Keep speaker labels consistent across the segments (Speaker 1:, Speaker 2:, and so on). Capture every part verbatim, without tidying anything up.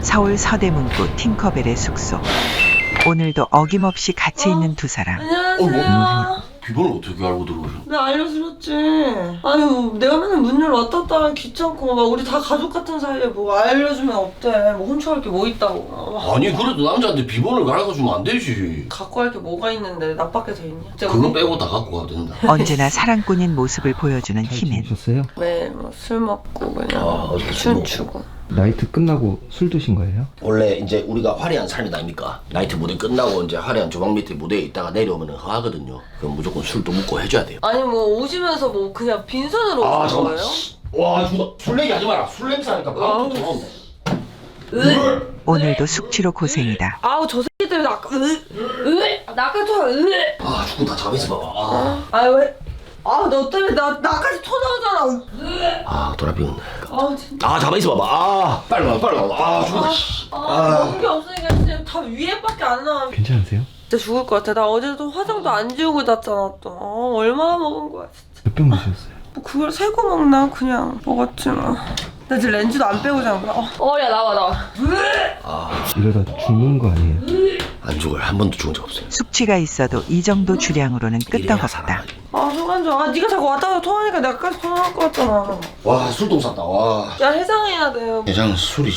Speaker 1: 서울 서대문구 팅커벨의 숙소. 오늘도 어김없이 같이
Speaker 2: 어?
Speaker 1: 있는 두 사람.
Speaker 2: 안녕하세요.
Speaker 3: 비번을 어떻게 알고 들어오셔?
Speaker 2: 내가 알려드렸지. 아유, 내가 맨날 문 열어 왔다 갔다 하면 귀찮고, 막 우리 다 가족 같은 사이에 뭐 알려주면 없대. 뭐 훔쳐갈 게 뭐 있다고.
Speaker 3: 아니 그래도 남자한테 비번을 가르쳐주면 안 되지.
Speaker 2: 갖고 갈 게 뭐가 있는데 나밖에 더 있냐? 진짜
Speaker 3: 그거
Speaker 2: 우리
Speaker 3: 빼고 다 갖고 가도 된다.
Speaker 1: 언제나 사랑꾼인 모습을 보여주는 희맨.
Speaker 4: 지내셨어요?
Speaker 2: 매일 뭐술 먹고 그냥
Speaker 3: 아, 어저께 술
Speaker 2: 춤추고.
Speaker 4: 나이트 끝나고 술 드신 거예요?
Speaker 3: 원래 이제 우리가 화려한 삶이 아닙니까? 나이트 무대 끝나고 이제 화려한 주방 밑에 무대에 있다가 내려오면 허하거든요. 그럼 무조건 술도 먹고 해줘야 돼요.
Speaker 2: 아니 뭐 오시면서 뭐 그냥 빈손으로
Speaker 3: 아
Speaker 2: 오신
Speaker 3: 잠깐만.
Speaker 2: 거예요?
Speaker 3: 와 죽어. 술 얘기 하지 마라. 술 냄새 나니까 바로 또 돌아온다.
Speaker 2: 으
Speaker 1: 오늘도 숙취로 고생이다.
Speaker 2: 아우 저 새끼 때문에 아까 으 으 나까지 저 으.
Speaker 3: 아 죽는다. 잠에서 봐봐. 아,
Speaker 2: 아 왜? 아 너 때문에 나 나까지 토 나오잖아. 으.
Speaker 3: 아 돌아비었네.
Speaker 2: 아 진짜.
Speaker 3: 아 잠에서 봐봐. 아 빨리 와 빨리 와. 아 죽어.
Speaker 2: 아, 먹은 게 없으니까 진짜 다 위에밖에 안 나와.
Speaker 4: 괜찮으세요?
Speaker 2: 진짜 죽을 것 같아. 나 어제도 화장도 안 지우고 잤잖아 또. 어, 얼마나 먹은 거야 진짜.
Speaker 4: 몇 병 드셨어요?
Speaker 2: 뭐 그걸 세고 먹나 그냥 먹었지 뭐. 나 지금 렌즈도 안 빼고 잔 거야. 어 야 나와 나와.
Speaker 4: 이러다 죽는 거 아니에요?
Speaker 3: 안 죽어요. 한 번도 죽은 적 없어요.
Speaker 1: 숙취가 있어도 이 정도 주량으로는
Speaker 3: 이래야
Speaker 1: 끄떡없다.
Speaker 3: 살아나지.
Speaker 2: 아 속안 좋아. 아 네가 자꾸 왔다 갔다 토하니까 내가까지 토 나올 것 같잖아.
Speaker 3: 와 술도 쌌다. 와.
Speaker 2: 야 해장해야 돼요.
Speaker 3: 대장 술이지.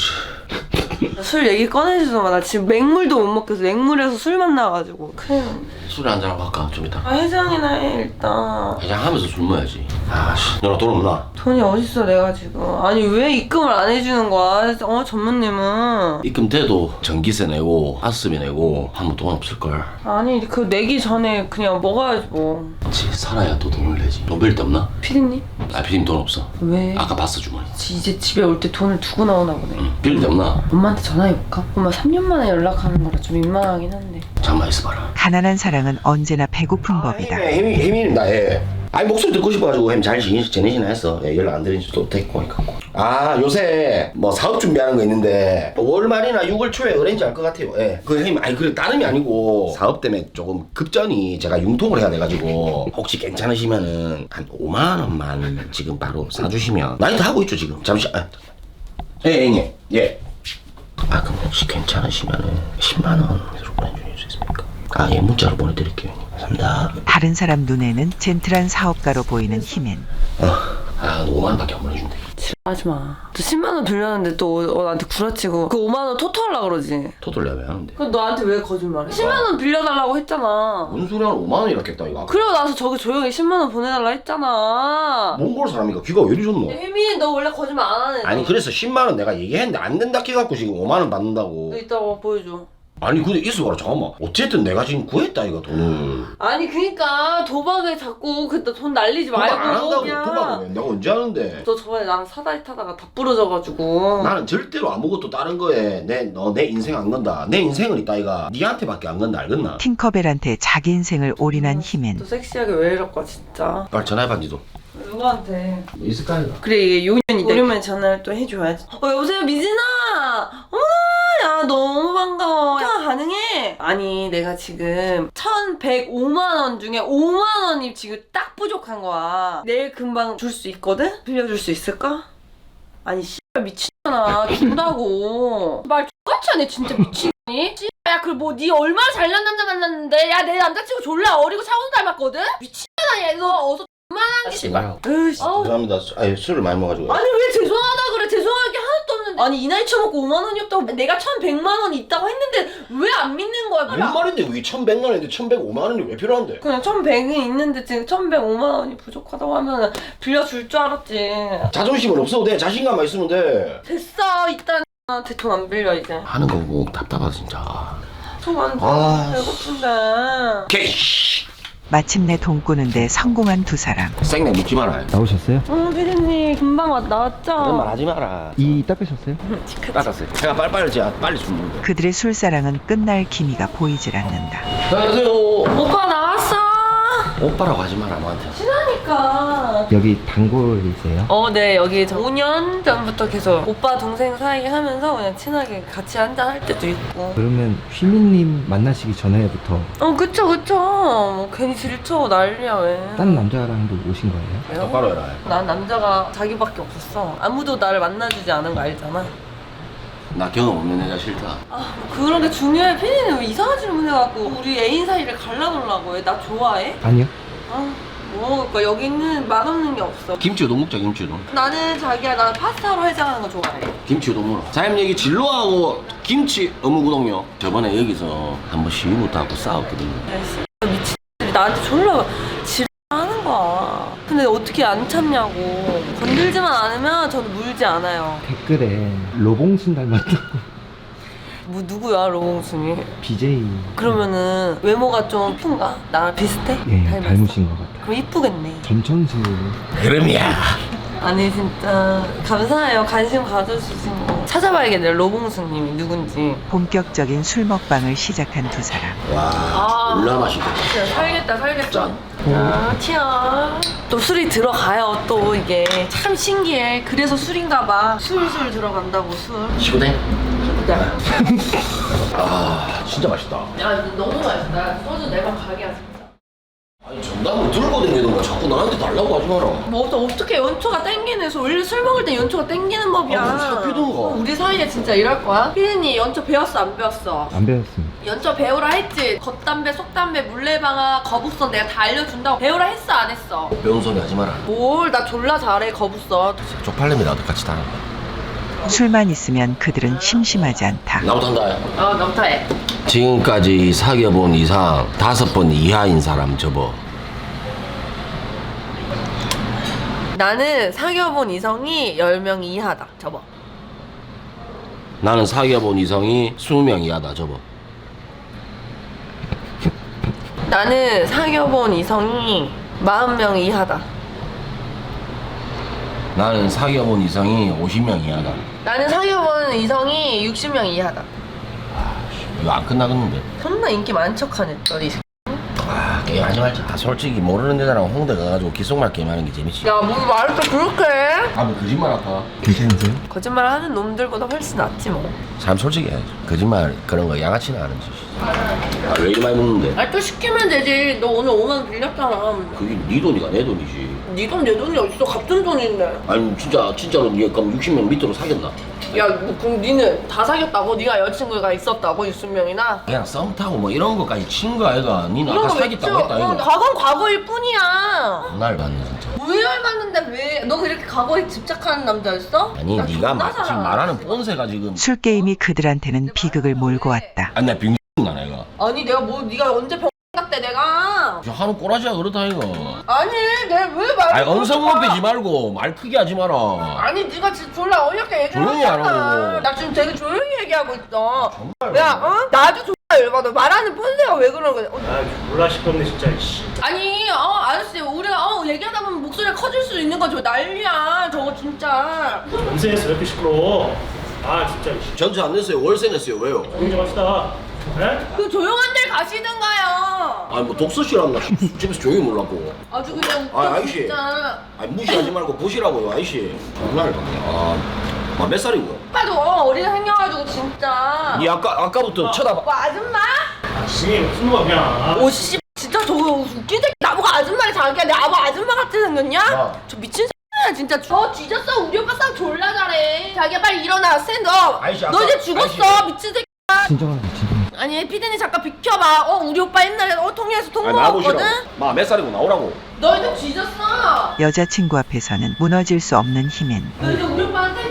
Speaker 2: 술 얘기 꺼내지도 마. 나 지금 맹물도 못 먹겠어. 맹물에서 술만 나가지고. 큰일 났네.
Speaker 3: 술에 한잔 하고 할까? 좀 이따.
Speaker 2: 아 해장이나 해 일단.
Speaker 3: 해장하면서 술 먹어야지. 아씨. 너나 돈 없나?
Speaker 2: 돈이 어딨어 내가 지금. 아니 왜 입금을 안 해주는 거야? 어 전무님은.
Speaker 3: 입금 돼도 전기세 내고 가스비 내고 하면 돈 없을걸.
Speaker 2: 아니 그 내기 전에 그냥 먹어야지 뭐.
Speaker 3: 그치 살아야 또 돈을 내지. 돈 빌 데 없나?
Speaker 2: 피디님?
Speaker 3: 아 피디님 돈 없어.
Speaker 2: 왜?
Speaker 3: 아까 봤어 주머니.
Speaker 2: 이제 집에 올 때 돈을 두고 나오나 보네.
Speaker 3: 응. 빌 데 없나?
Speaker 2: 엄마한테 전화해볼까? 엄마 삼 년 만에 연락하는 거라 좀 민망하긴 한데.
Speaker 3: 잠깐만 있어봐라.
Speaker 1: 가난한 사랑은 언제나 배고픈 법이다.
Speaker 3: 혜미 혜미입니다. 예. 아니 목소리 듣고 싶어가지고 혜미 잘 지내, 지내시나 했어. 예, 연락 안 드린 지도 됐고 하니까. 아 요새 뭐 사업 준비하는 거 있는데 오월 말이나 유월 초에 어렌지 할 것 같아요. 예. 그 혜미 아니 그 다름이 아니고 사업 때문에 조금 급전이 제가 융통을 해야 돼가지고 혹시 괜찮으시면은 한 오만 원만 지금 바로 사주시면 나이트 하고 있죠 지금. 잠시. 아, 예 형님. 예. 아 그럼 혹시 괜찮으시면은 십만 원으로 보내주실 수 있습니까? 아 예 문자로 보내드릴게요. 감사합니다.
Speaker 1: 다른 사람 눈에는 젠틀한 사업가로 보이는 희맨.
Speaker 3: 어. 아 오만 원밖에 안 보내준대.
Speaker 2: 하지 마. 또 십만 원 빌렸는데 또 어, 나한테 구라치고 그 오만 원 토토하려고 그러지.
Speaker 3: 토토를 내가 왜 하는데?
Speaker 2: 그럼 너한테 왜 거짓말해? 십만 원 빌려달라고 했잖아.
Speaker 3: 무슨 소리 하는 오만 원이라 했다 이거.
Speaker 2: 그러고 나서 저기 조용히 십만 원 보내달라 했잖아.
Speaker 3: 몽골 사람이니까 귀가 왜 이러셨노?
Speaker 2: 혜민이 너 원래 거짓말 안 하네.
Speaker 3: 아니 그래서 십만 원 내가 얘기했는데 안 된다 해갖고 지금 오만 원 받는다고.
Speaker 2: 너 이따가 보여줘.
Speaker 3: 아니 근데 있어봐라 잠깐만. 어쨌든 내가 지금 구했다 이거 돈을.
Speaker 2: 아니 그니까 도박에 자꾸 그때 돈 날리지
Speaker 3: 도박
Speaker 2: 말고
Speaker 3: 안 한다고.
Speaker 2: 그냥.
Speaker 3: 도박을 왜? 내가 언제 하는데?
Speaker 2: 너 저번에 나랑 사다리 타다가 다 부러져가지고.
Speaker 3: 나는 절대로 아무것도 다른 거에 내 너 내 인생 안 건다. 내 인생은 있다 이가. 니한테밖에 안 건다 알겠나?
Speaker 1: 팅커벨한테 자기 인생을 올인한 희맨.
Speaker 2: 너 섹시하게 왜 이럴까 진짜.
Speaker 3: 빨리 전화해봐 니도.
Speaker 2: 누구한테?
Speaker 3: 있을까 이거?
Speaker 2: 그래 이게 요년이다. 오랜만에 전화를 또 해줘야지. 어 여보세요 미진아. 어머나 야 너무 반가워. 통화 가능해? 아니 내가 지금 천백오만 원 중에 오만 원이 지금 딱 부족한 거야. 내일 금방 줄 수 있거든? 빌려줄 수 있을까? 아니 씨발 미친잖아. 준다고. 말 똑같이 하네 진짜 미친이. 야 그래 뭐 니 얼마나 잘난 남자 만났는데. 야 내 남자친구 졸라 어리고 차은우 닮았거든? 미친년아 얘. 너 어서 그만한 게
Speaker 3: 씨발.
Speaker 2: 으이씨. 아우.
Speaker 3: 죄송합니다. 아니 술을 많이 먹어가지고.
Speaker 2: 아니 왜 죄송하다 그래. 죄송할 게 하나도 없는데. 아니 이 나이 처먹고 오만 원이 없다고 내가 천백만 원 있다고 했는데 왜 안 믿는 거야.
Speaker 3: 뭔 말인데 이게 천백만 원인데 천백오만 원이 왜 필요한데?
Speaker 2: 그냥 천백이 있는데 지금 천백오만 원이 부족하다고 하면 빌려줄 줄 알았지.
Speaker 3: 자존심은 없어도 돼. 자신감만 있으면 돼.
Speaker 2: 됐어 일단 나한테 돈 안 빌려 이제.
Speaker 3: 하는 거 보고 답답하다 진짜.
Speaker 2: 속안
Speaker 3: 아.
Speaker 2: 배고픈데.
Speaker 3: 오케이.
Speaker 2: 마침내 돈 꾸는데 성공한 두 사람.
Speaker 3: 생맥 묻지 마라.
Speaker 4: 나오셨어요?
Speaker 2: 응 피디님 금방 왔, 나왔죠?
Speaker 3: 그런 말 하지 마라.
Speaker 4: 이 닦으셨어요?
Speaker 3: 닦았어요. 제가 빨리빨리 제가 빨리 술 먹는데.
Speaker 1: 그들의 술사랑은 끝날 기미가 보이질 않는다.
Speaker 3: 안녕하세요.
Speaker 2: 오빠 나왔어.
Speaker 3: 오빠라고 하지 마라 너한테.
Speaker 2: 친하니까.
Speaker 4: 여기 단골이세요?
Speaker 2: 어, 네 여기 오 년 전부터 계속 오빠 동생 사이 하면서 그냥 친하게 같이 한잔 할 때도 있고.
Speaker 4: 그러면 휘민님 만나시기 전에부터
Speaker 2: 어 그쵸 그쵸. 뭐 괜히 질투하고 난리야 왜.
Speaker 4: 다른 남자랑도 오신 거예요?
Speaker 2: 왜요?
Speaker 3: 똑바로 해라.
Speaker 2: 난 남자가 자기밖에 없었어. 아무도 나를 만나주지 않은 거 알잖아.
Speaker 3: 나 경험 없는 여자 싫다.
Speaker 2: 아, 그런 게 중요해. 피디는 왜 이상한 질문 해갖고 우리 애인 사이를 갈라놓으려고 해? 나 좋아해?
Speaker 4: 아니요.
Speaker 2: 아, 뭐 먹을까? 여기는 맛없는 게 없어.
Speaker 3: 김치우동 먹자 김치우동.
Speaker 2: 나는 자기야, 나는 파스타로 해장하는 거 좋아해.
Speaker 3: 김치우동 먹어. 사장님 여기 진로하고 김치 어묵우동요. 저번에 여기서 한번 시위부터 하고 싸웠거든요.
Speaker 2: 미친들이 나한테 졸라 지랄하는 거야. 근데 어떻게 안 참냐고. 건들지만 않으면 저는 물지 않아요.
Speaker 4: 댓글에 로봉순 닮았다고.
Speaker 2: 뭐 누구야, 로봉순이?
Speaker 4: 비제이.
Speaker 2: 그러면은 외모가 좀 이쁜가? 나랑 비슷해?
Speaker 4: 예,
Speaker 2: 닮았어?
Speaker 4: 닮으신 것 같아요.
Speaker 2: 그럼 이쁘겠네.
Speaker 4: 전천수.
Speaker 3: 그럼이야.
Speaker 2: 아니 진짜 감사해요. 관심 가져주신 거. 찾아봐야겠네, 로봉수님이 누군지.
Speaker 1: 본격적인 술 먹방을 시작한 두 사람.
Speaker 3: 와
Speaker 2: 아.
Speaker 3: 졸라 맛있겠다.
Speaker 2: 진짜 살겠다, 살겠다.
Speaker 3: 짠.
Speaker 2: 아, 티야. 또 술이 들어가요, 또 이게. 참 신기해. 그래서 술인가 봐. 술술 들어간다고, 술.
Speaker 3: 시구댕.
Speaker 2: 야,
Speaker 3: 아 진짜 맛있다.
Speaker 2: 야 너무 맛있다. 소주 네 방 가게야, 진짜.
Speaker 3: 아니 정답을 들고 다니던가 자꾸 나한테 달라고 하지 마라.
Speaker 2: 뭐 또 어떻게 연초가 땡기는 소 원래 술 먹을 때 연초가 땡기는 법이야.
Speaker 3: 아, 사귀던가.
Speaker 2: 우리 사이에 진짜 이럴 거야? 피디님 연초 배웠어, 안 배웠어?
Speaker 4: 안 배웠습니다.
Speaker 2: 연초 배우라 했지. 겉담배, 속담배, 물레방아, 거북선 내가 다 알려준다고 배우라 했어, 안 했어?
Speaker 3: 배운 소리 하지 마라.
Speaker 2: 뭘, 나 졸라 잘해, 거북선.
Speaker 3: 쪽팔림이라도 같이 달아.
Speaker 1: 술만 있으면 그들은 심심하지 않다.
Speaker 3: 나부터 한다.
Speaker 2: 어, 너부터 해.
Speaker 3: 지금까지 사귀어본 이상 다섯 번 이하인 사람 접어.
Speaker 2: 나는 사귀어본 이성이 열 명 이하다. 접어.
Speaker 3: 나는 사귀어본 이성이 이십 명 이하다 접어.
Speaker 2: 나는 사귀어본 이성이 사십 명 이하다.
Speaker 3: 나는 사귀어본 이성이 오십 명 이하다.
Speaker 2: 나는 사귀어본 이성이 육십 명 이하다.
Speaker 3: 이거 안 끝나겠는데.
Speaker 2: 존나 인기 많은 척하네, 너이 새끼.
Speaker 3: 아 게임하지 말자. 아, 솔직히 모르는 여자랑 홍대 가가지고 기속말 게임하는 게 재밌지.
Speaker 2: 야, 뭐 말을 또 그렇게 해?
Speaker 3: 아 뭐 거짓말 할까?
Speaker 4: 괜찮으세요?
Speaker 2: 거짓말 하는 놈들보다 훨씬 낫지 뭐.
Speaker 3: 사람 솔직히 해야지. 거짓말 그런 거 양아치는 아는 짓이지. 아, 왜 이리 많이 먹는데?
Speaker 2: 아, 또 시키면 되지. 너 오늘 오만 원 빌렸잖아.
Speaker 3: 그게 네 돈이가 내 돈이지.
Speaker 2: 네 돈, 내 돈이 어딨어? 갚은 돈인데.
Speaker 3: 아니 진짜 진짜로 니 그럼 육십 명 밑으로 사귀었나?
Speaker 2: 야, 뭐, 그럼 니는 다 사귀었다고? 네가 여자친구가 있었다고? 육십 명이나?
Speaker 3: 그냥 썸 타고 뭐 이런 거까지 친 거 아이가? 니는 아까 사귀었다고 했다
Speaker 2: 어,
Speaker 3: 이거.
Speaker 2: 과거는 과거일 뿐이야.
Speaker 3: 날 봤네 진짜.
Speaker 2: 왜 열받는데 왜? 너 그렇게 과거에 집착하는 남자였어?
Speaker 3: 아니
Speaker 2: 나
Speaker 3: 네가
Speaker 2: 존나
Speaker 3: 마, 지금
Speaker 2: 사랑하지.
Speaker 3: 말하는 폰세가 지금.
Speaker 1: 술게임이 그들한테는 비극을 몰고 왔다.
Speaker 3: 아니 나 빙나 내가.
Speaker 2: 아니 내가 뭐 네가 언제 병 같대 내가?
Speaker 3: 저 하는 꼬라지가 그렇다 이거.
Speaker 2: 아니 내가 왜 말을
Speaker 3: 아니 언성
Speaker 2: 그렇게
Speaker 3: 높이지
Speaker 2: 봐?
Speaker 3: 말고 말 크게 하지 마라.
Speaker 2: 아니 네가 지금 졸라 어이없게 얘기를
Speaker 3: 조용히
Speaker 2: 하잖아.
Speaker 3: 하라고.
Speaker 2: 나 지금 되게 조용히 얘기하고 있어.
Speaker 3: 정말.
Speaker 2: 야, 어? 나도 졸라 열받아. 말하는 폰세가 왜 그러는 거야? 어,
Speaker 5: 아 졸라 시끄럽네 진짜 이씨.
Speaker 2: 아니, 어, 아저씨, 우리가 어, 얘기하다 보면 목소리가 커질 수 있는 건 저 난리야. 저거 진짜.
Speaker 5: 전세에서 왜 이렇게 시끄러워? 아 진짜 이씨.
Speaker 3: 전세 안 냈어요. 월세 냈어요. 왜요?
Speaker 5: 조용히 좀 합시다. 에?
Speaker 2: 그 조용한 데 가시든가요.
Speaker 3: 아니 뭐 독서실한다. 집에서 조용히 몰랐고.
Speaker 2: 아주 그냥
Speaker 3: 아, 아저씨.
Speaker 2: 진짜.
Speaker 3: 아니 무시하지 말고 보시라고요 아저씨. 장난을 받네. 아, 아, 몇 살이고?
Speaker 2: 오빠도 어리게 생겨가지고 진짜.
Speaker 3: 니 아까 아까부터 쳐다봐.
Speaker 2: 뭐 아줌마?
Speaker 5: 아씨 무슨 놈이야 그냥.
Speaker 2: 오 씨, 진짜 저거 웃긴 새끼 나보고 아줌마를 자기야. 내 아버 아줌마 같이 생겼냐?
Speaker 3: 야.
Speaker 2: 저 미친 새끼야 진짜. 저 뒤졌어. 우리 오빠 싸움 졸라 잘해. 자기야 빨리 일어나. 스탠드업.
Speaker 3: 아저씨,
Speaker 2: 너
Speaker 3: 아까-
Speaker 2: 이제 죽었어.
Speaker 3: 아저씨.
Speaker 2: 미친 새끼.
Speaker 4: 진정하세요, 진정.
Speaker 2: 아니 피디님 잠깐 비켜봐. 어 우리 오빠 옛날에 어 통해서 통
Speaker 3: 아니
Speaker 2: 먹었거든.
Speaker 3: 나보시라고. 마몇 살이고 나오라고.
Speaker 2: 너 이제 뒤졌어.
Speaker 1: 여자친구 앞에서는 무너질 수 없는 힘엔
Speaker 2: 너 이제 우리 오빠한테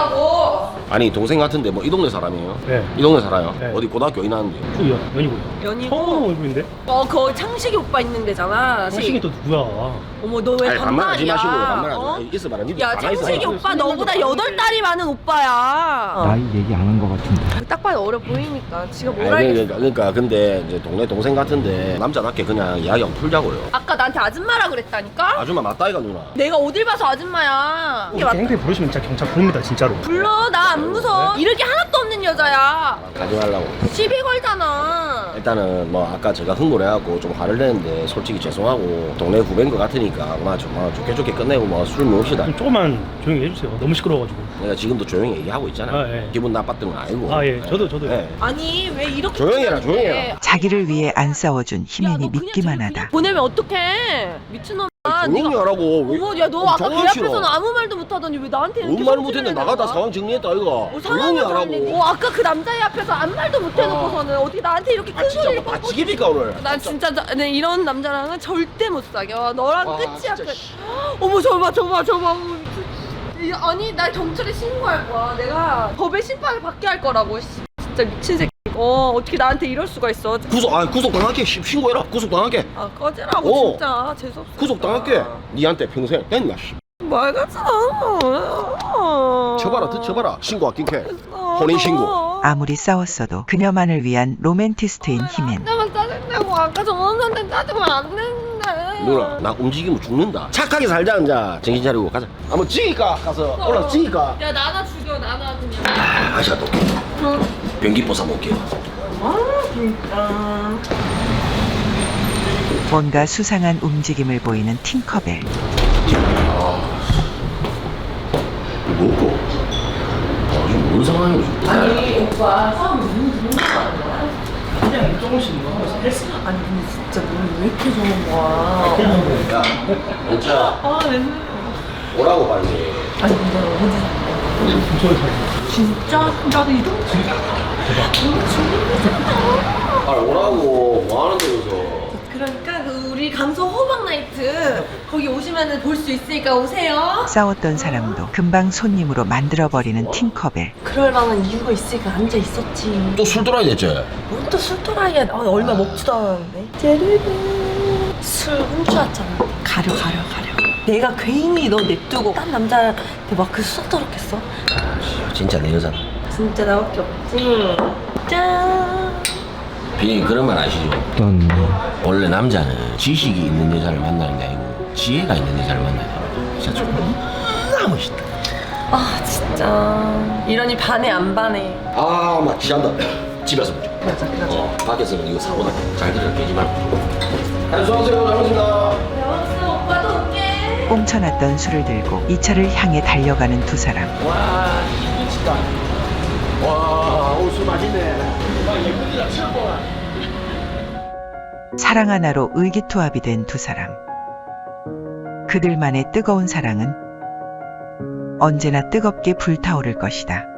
Speaker 2: 죽었다고.
Speaker 3: 아니 동생 같은데 뭐 이 동네 사람이에요?
Speaker 5: 네.
Speaker 3: 이 동네 살아요?
Speaker 5: 네.
Speaker 3: 어디 고등학교 어디 나왔는데?
Speaker 5: 저 연, 연이고요.
Speaker 2: 연이고.
Speaker 5: 처음 보는 얼굴인데?
Speaker 2: 어 거기 창식이 오빠 있는 데잖아.
Speaker 5: 창식이 또 누구야?
Speaker 2: 어머 너 왜
Speaker 3: 아니 반말하지
Speaker 2: 반말이야?
Speaker 3: 마시고 반말하지
Speaker 2: 어?
Speaker 3: 마. 있어봐라. 니들
Speaker 2: 야
Speaker 3: 가만히 있어.
Speaker 2: 창식이
Speaker 5: 있어.
Speaker 2: 오빠 너보다 여덟 달이 많은 오빠야.
Speaker 4: 나이 얘기 안 한 것 같은데.
Speaker 2: 딱 봐도 어려 보이니까 지가 뭘
Speaker 3: 아니,
Speaker 2: 알겠어.
Speaker 3: 그러니까, 그러니까 근데 이제 동네 동생 같은데 남자답게 그냥 이야기하고 풀자고요.
Speaker 2: 아까 나한테 아줌마라 그랬다니까?
Speaker 3: 아줌마 맞다 이가 누나.
Speaker 2: 내가 어딜 봐서 아줌마야. 이게 맞...
Speaker 5: 이렇게 행패 부르시면 진짜 경찰 부릅니다 진짜로.
Speaker 2: 불러 나 안 무서워. 이럴 게 하나도 없는 여자야.
Speaker 3: 가지 말라고.
Speaker 2: 시비 걸잖아.
Speaker 3: 일단은 뭐 아까 제가 흥분을 해갖고 좀 화를 내는데 솔직히 죄송하고 동네 후배인 것 같으니까 뭐 좀 뭐 좋게 좋게 끝내고 뭐 술 먹읍시다.
Speaker 5: 좀 조금만 조용히 해주세요. 너무 시끄러워가지고.
Speaker 3: 내가 지금도 조용히 얘기하고 있잖아.
Speaker 5: 아, 예.
Speaker 3: 기분 나빴던 건 아니고.
Speaker 5: 아, 예. 저도, 저도.
Speaker 3: 예.
Speaker 2: 아니 왜 이렇게
Speaker 3: 조용히 해라,
Speaker 2: 끝나는데?
Speaker 3: 조용히 해라.
Speaker 1: 자기를 위해 안 싸워준
Speaker 2: 야,
Speaker 1: 희민이
Speaker 2: 너 그냥
Speaker 1: 믿기만
Speaker 2: 저기
Speaker 1: 하다.
Speaker 2: 그냥 보내면 어떡해? 미친놈아.
Speaker 3: 조용히
Speaker 2: 네가-
Speaker 3: 하라고.
Speaker 2: 어머, 야, 너
Speaker 3: 어,
Speaker 2: 아까 개
Speaker 3: 정말 싫어.
Speaker 2: 앞에서는 아무 말도 못하더니 왜 나한테 이렇게
Speaker 3: 뭔 말
Speaker 2: 성질을
Speaker 3: 못했는데
Speaker 2: 내는
Speaker 3: 나가다
Speaker 2: 거야?
Speaker 3: 상황 정리했다 이거.
Speaker 2: 어,
Speaker 3: 조용히
Speaker 2: 상황을
Speaker 3: 하라고.
Speaker 2: 정리해. 어, 아까 그 남자애 앞에서 아무 말도 못 해놓고서는 어떻게 나한테 이렇게 큰
Speaker 3: 아 진짜
Speaker 2: 소리를
Speaker 3: 뭐
Speaker 2: 뻥뻥.
Speaker 3: 다치기니까 오늘.
Speaker 2: 난 진짜 나, 네, 이런 남자랑은 절대 못 사겨. 너랑
Speaker 3: 와,
Speaker 2: 끝이야.
Speaker 3: 진짜
Speaker 2: 끝.
Speaker 3: 씨.
Speaker 2: 어머 저봐 저봐 저봐. 어머, 미친. 이- 아니 나 경찰에 신고할 거야. 내가 법의 심판을 받게 할 거라고. 씨, 진짜 미친 새끼. 어 어떻게 나한테 이럴 수가 있어.
Speaker 3: 구속 아 구속 당할게. 씨, 신고해라. 구속 당할게.
Speaker 2: 아 꺼지라고
Speaker 3: 어.
Speaker 2: 진짜 재수없어.
Speaker 3: 구속 당할게. 니한테 평생 했나 씨.
Speaker 2: 말 같지도 않아.
Speaker 3: 쳐봐라 더 쳐봐라. 신고 아낀게. 혼인 신고.
Speaker 1: 아무리 싸웠어도 그녀만을 위한 로맨티스트인 희맨.
Speaker 2: 나만 짜증내고 아까 전원한테 짜증면 안 된대.
Speaker 3: 누나 나 움직이면 죽는다. 착하게 살자 이제. 정신 차리고 가자. 한번 찍을까 가서 올라서 찍을까.
Speaker 2: 야 나나 죽여 나나 그냥.
Speaker 3: 아 아시아 또 변기 뽑아 볼게요.
Speaker 2: 아 진짜.
Speaker 1: 뭔가 수상한 움직임을 보이는 팅커벨.
Speaker 3: 뭐고? 아 지금 뭔 상황이지?
Speaker 2: 아니 오빠 싸움 너무 좋은 거 아니야? 그냥 조금씩 뭐 하면서 헬스. 아니 근데 진짜 너는 왜 이렇게 좋은 거야?
Speaker 3: 야, 연차
Speaker 2: 아 맨날.
Speaker 3: 오라고 빨리.
Speaker 2: 아니 근데 어디 진짜? 나도 이 동네.
Speaker 3: 아 오라고 뭐 하는데 여기서?
Speaker 2: 그러니까 그 우리 강서 호박 나이트 거기 오시면은 볼 수 있으니까 오세요.
Speaker 1: 싸웠던 사람도 금방 손님으로 만들어버리는 팅커벨.
Speaker 2: 그럴 만한 이유가 있으니까 앉아 있었지.
Speaker 3: 또 술 돌아야 됐지?
Speaker 2: 뭔 또 술도라이야. 아, 얼마 먹지도 않았는데. 제르르. 술 훔쳐왔잖아. 가려 가려 가려. 내가 괜히 너 냅두고 딴 남자한테 막 그 수다 떨었겠어?
Speaker 3: 진짜 내 여자다.
Speaker 2: 진짜 나밖에 없지. 짠.
Speaker 3: 비님 그런 말 아시죠?
Speaker 4: 어떤
Speaker 3: 원래 남자는 지식이 있는 여자를 만나는 게 아니고 지혜가 있는 여자를 만나야 돼. 진짜 존나 멋있다.
Speaker 2: 아 진짜. 이러니 반해 안 반해.
Speaker 3: 아, 막 지한다. 집에서 보자.
Speaker 2: 그러자 그러자.
Speaker 3: 어, 밖에서는 이거 사고다. 잘 들어 깨지 말고. 안녕하세요, 잘 먹습니다.
Speaker 2: 여보세요 오빠도 올게.
Speaker 1: 꽁쳐놨던 술을 들고 이 차를 향해 달려가는 두 사람.
Speaker 3: 와, 미치다. 와, 오늘 술 맛있네. 와, 예쁘기다 최고.
Speaker 1: 사랑 하나로 의기투합이 된 두 사람. 그들만의 뜨거운 사랑은 언제나 뜨겁게 불타오를 것이다.